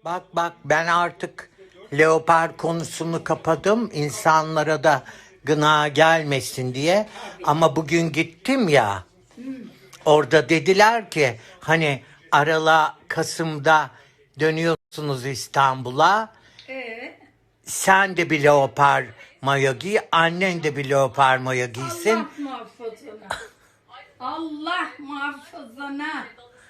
Bak bak, ben artık leopar konusunu kapadım. İnsanlara da gına gelmesin diye. Ama bugün gittim ya. Orada dediler ki hani Kasım'da dönüyorsunuz İstanbul'a. Ee, Sen de bir leopar mayo giy, annen de bir leopar mayo Allah giysin. muhafazana. Allah muhafazana.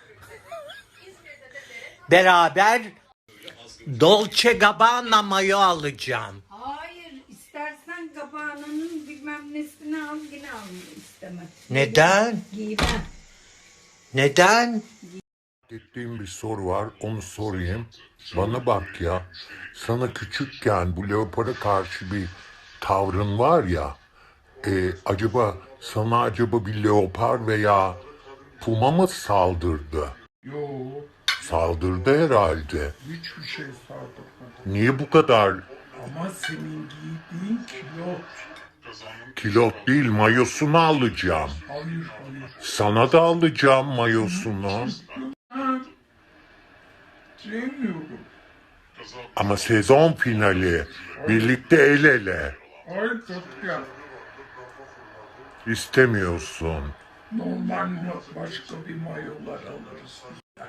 Beraber Dolce Gabbana mayo alacağım. Hayır, istersen kabağının bilmem nesini al, yine almayı istemem. Neden? Giymem. Neden? Ettiğim bir soru var, onu sorayım. Bana bak ya, sana küçükken bu leopara karşı bir tavrın var ya, acaba bir leopar veya puma mı saldırdı? Yo, Saldırdı herhalde. hiçbir şey saldırmadı. Niye bu kadar Ama senin giydiğin kilot. kilot değil, mayosunu alacağım. Hayır, hayır. Sana da alacağım mayosunu. Ha, sevmiyorum. Ama sezon finali, birlikte el ele. Ay Katya, İstemiyorsun. normal başka bir mayolar alırız.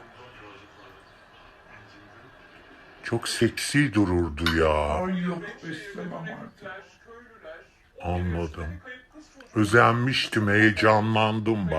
Çok seksi dururdu ya. Ay yok, istemem artık. Anladım. Özenmiştim, heyecanlandım bak.